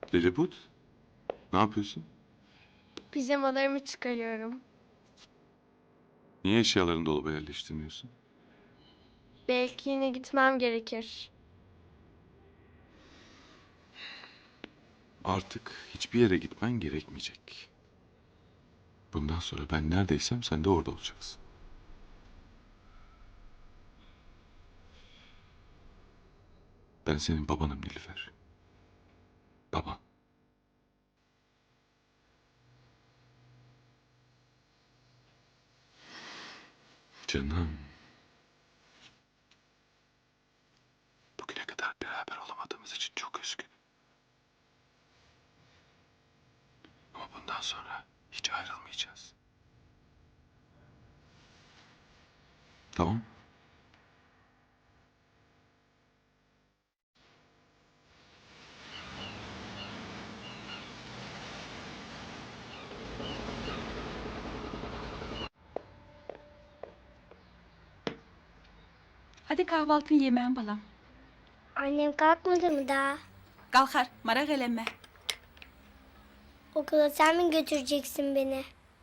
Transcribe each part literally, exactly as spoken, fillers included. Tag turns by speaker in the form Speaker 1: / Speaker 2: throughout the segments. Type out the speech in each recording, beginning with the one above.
Speaker 1: Lilliput, ne yapıyorsun?
Speaker 2: Pijamalarımı çıkarıyorum.
Speaker 1: Niye eşyalarını dolaba yerleştirmiyorsun?
Speaker 2: Belki yine gitmem gerekir.
Speaker 1: Artık hiçbir yere gitmen gerekmeyecek. Bundan sonra ben neredeysem sen de orada olacaksın. Ben senin babanım Nilüfer. Baban. Canım. Bugüne kadar beraber olamadığımız için çok üzgünüm. Ama bundan sonra hiç ayrılmayacağız. Tamam?
Speaker 3: Hadi kahvaltını yemeğin balam.
Speaker 2: Annem kalkmadı mı daha?
Speaker 3: Kalkar, merak elenme.
Speaker 2: Okula sen mi götüreceksin beni?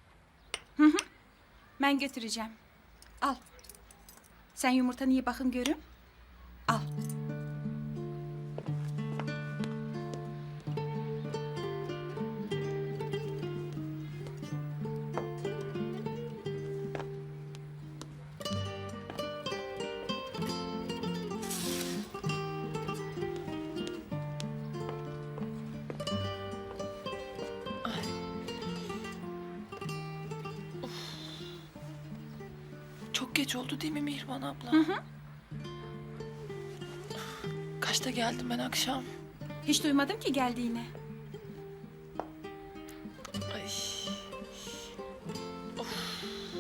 Speaker 3: Ben götüreceğim. Al. Sen yumurtanı ye bakın görün. Al.
Speaker 4: Çok geç oldu değil mi Mihriban abla?
Speaker 3: Hı hı.
Speaker 4: Kaçta geldim ben akşam?
Speaker 3: Hiç duymadım ki geldiğini.
Speaker 4: Ay. Of.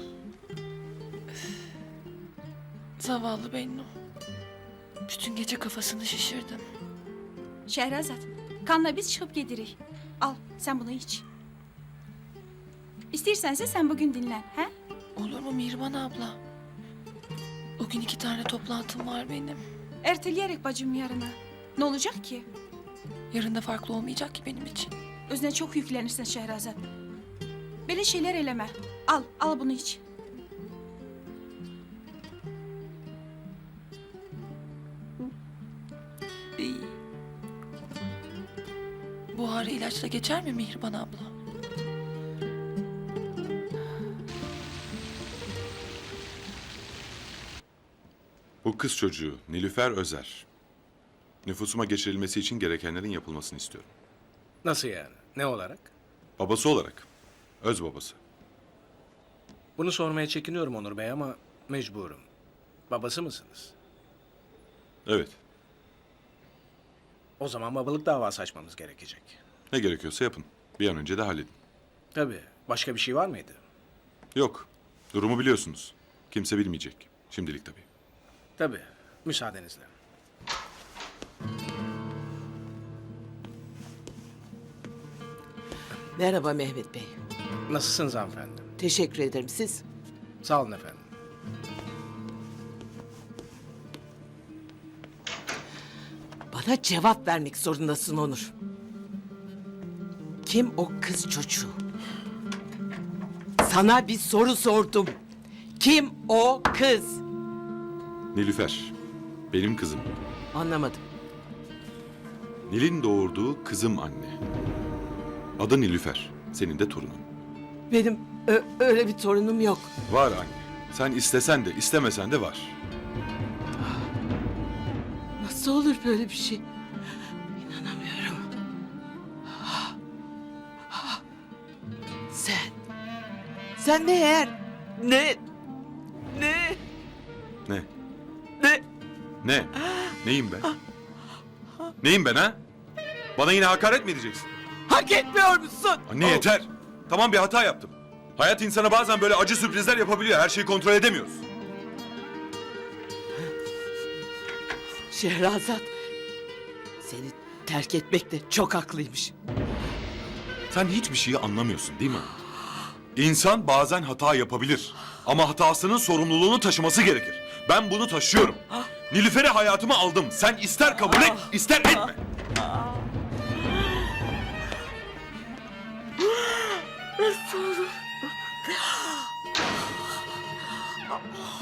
Speaker 4: Zavallı Bennu. Bütün gece kafasını şişirdim.
Speaker 3: Şehrazat, kanla biz çıkıp gelirik. Al, sen bunu iç. İstersense sen bugün dinlen, he?
Speaker 4: Olur mu Mihriban abla? O gün iki tane toplantım var benim.
Speaker 3: Erteleyerek bacım yarına. Ne olacak ki?
Speaker 4: Yarın da farklı olmayacak ki benim için.
Speaker 3: Özüne çok yüklenirsin Şehrazat. Böyle şeyler eleme. Al, al bunu iç.
Speaker 4: İyi. Bu ağrı ilaçla geçer mi Mihriban abla?
Speaker 1: Bu kız çocuğu Nilüfer Özer. Nüfusuma geçirilmesi için gerekenlerin yapılmasını istiyorum.
Speaker 5: Nasıl yani? Ne olarak?
Speaker 1: Babası olarak. Öz babası.
Speaker 5: Bunu sormaya çekiniyorum Onur Bey ama mecburum. Babası mısınız?
Speaker 1: Evet.
Speaker 5: O zaman babalık davası açmamız gerekecek.
Speaker 1: Ne gerekiyorsa yapın. Bir an önce de halledin.
Speaker 5: Tabii. Başka bir şey var mıydı?
Speaker 1: Yok. Durumu biliyorsunuz. Kimse bilmeyecek. Şimdilik tabii.
Speaker 5: Tabii. Müsaadenizle.
Speaker 6: Merhaba Mehmet Bey.
Speaker 5: Nasılsınız hanımefendi?
Speaker 6: Teşekkür ederim. Siz?
Speaker 5: Sağ olun efendim.
Speaker 6: Bana cevap vermek zorundasın Onur. Kim o kız çocuğu? Sana bir soru sordum. Kim o kız?
Speaker 1: Nilüfer. Benim kızım.
Speaker 6: Anlamadım.
Speaker 1: Nil'in doğurduğu kızım anne. Adı Nilüfer. Senin de torunun.
Speaker 6: Benim ö- öyle bir torunum yok.
Speaker 1: Var anne. Sen istesen de istemesen de var.
Speaker 6: Nasıl olur böyle bir şey? İnanamıyorum. Sen. Sen ne eğer? Ne? Ne?
Speaker 1: Ne?
Speaker 6: Ne?
Speaker 1: Ne? Neyim ben? Neyim ben ha? Bana yine hakaret mi edeceksin?
Speaker 6: Hak etmiyor musun?
Speaker 1: Anne yeter. Tamam bir hata yaptım. Hayat insana bazen böyle acı sürprizler yapabiliyor. Her şeyi kontrol edemiyoruz.
Speaker 6: Şehrazat seni terk etmekte çok haklıymış.
Speaker 1: Sen hiçbir şeyi anlamıyorsun değil mi? İnsan bazen hata yapabilir. Ama hatasının sorumluluğunu taşıması gerekir. Ben bunu taşıyorum. Nilüfer'i hayatıma aldım. Sen ister kabul et, ister etme.
Speaker 6: Nasıl olur?